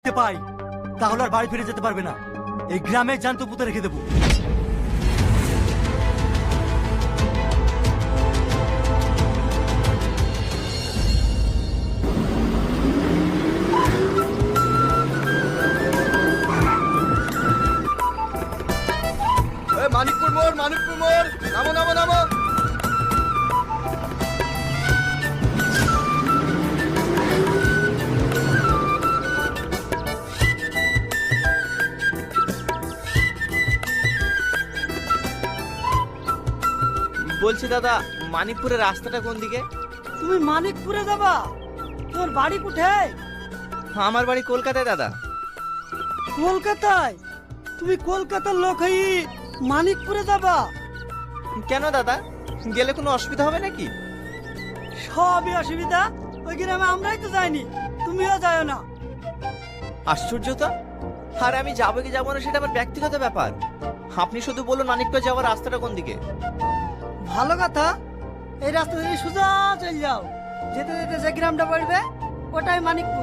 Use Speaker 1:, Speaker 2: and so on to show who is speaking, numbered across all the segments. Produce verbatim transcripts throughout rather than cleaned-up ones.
Speaker 1: পাই তাহলে আর বাড়ি ফিরে যেতে পারবে না। এই গ্রামে জ্যান্ত পুঁতে রেখে দেবো।
Speaker 2: মানিকপুর মোড়, মানিকপুর মোড়, নামো নামো নামো।
Speaker 3: বলছি দাদা, মানিকপুরের রাস্তাটা কোন দিকে?
Speaker 4: তুমি মানিকপুরে যাবা? তোর বাড়ি কোথায়?
Speaker 3: আমার বাড়ি কলকাতায় দাদা।
Speaker 4: কলকাতায়? তুমি কলকাতার লোক হই মানিকপুরে যাবা?
Speaker 3: কেন দাদা, গেলে কোনো অসুবিধা হবে নাকি?
Speaker 4: সবই অসুবিধা। ওই গ্রামে আমরাই তো যাইনি, তুমিও যাও না।
Speaker 3: আশ্চর্য তো। আর আমি যাবো কি যাবো না সেটা আমার ব্যক্তিগত ব্যাপার। আপনি শুধু বলুন মানিকপুর যাওয়ার রাস্তাটা কোন দিকে।
Speaker 4: ভালো কথা, এই রাস্তা দিয়ে সোজা চলে যাও। যেতে যেতে যে গ্রামটা পড়বে ওটাই মানিকপুর।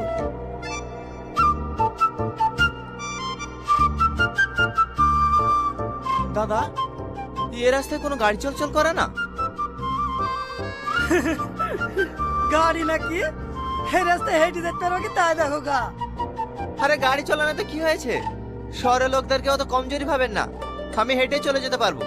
Speaker 3: দাদা, এ রাস্তায় কোনো গাড়ি চলাচল করে না?
Speaker 4: গাড়ি নাকি? এই রাস্তায় হেঁটে যেতে পারো কি তাই দেখো গা।
Speaker 3: আরে গাড়ি চালানো তো কি হয়েছে? শহরের লোকদেরকে অত কমজোরি ভাবেন না, আমি হেঁটে চলে যেতে পারবো।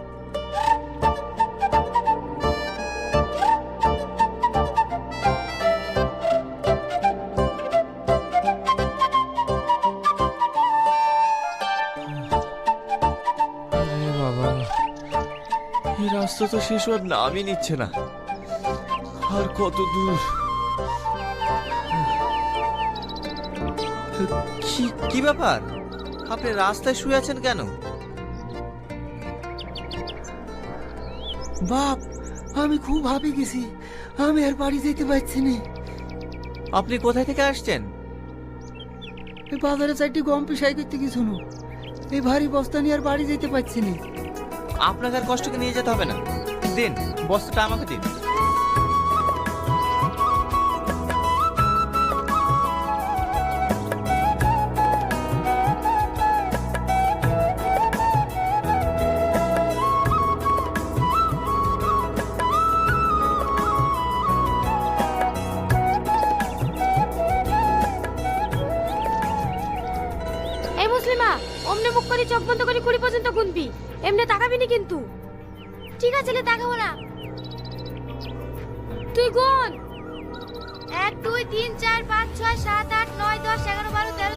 Speaker 3: আরে বাবা, এই রাস্তা তো শেষ হওয়ার নামই নিচ্ছে না। আর কত দূর? কি কি ব্যাপার, আপনি রাস্তায় শুয়ে আছেন কেন?
Speaker 4: বাপ, আমি খুব ভাবি গেছি, আমি আর বাড়ি যেতে পারছি না।
Speaker 3: আপনি কোথায় থেকে আসছেন?
Speaker 4: এই বাজারে চারটি গম পিসাই করতে কিছু না, এই ভারী বস্তা নিয়ে আর বাড়ি যেতে পারছি না।
Speaker 3: আপনাকে আর কষ্টকে নিয়ে যেতে হবে না, দিন বস্তাটা আমাকে দিন।
Speaker 5: এই মুসলিমা, অমনে মুখ করে চোখ বন্ধ করে কুড়ি পর্যন্ত গুনবি, এমনি তাকাবি না কিন্তু। ঠিক আছে, লে তাকাবো না। তুই গুন। এক দুই তিন চার পাঁচ ছয় সাত আট নয় দশ এগারো বারো তেরো।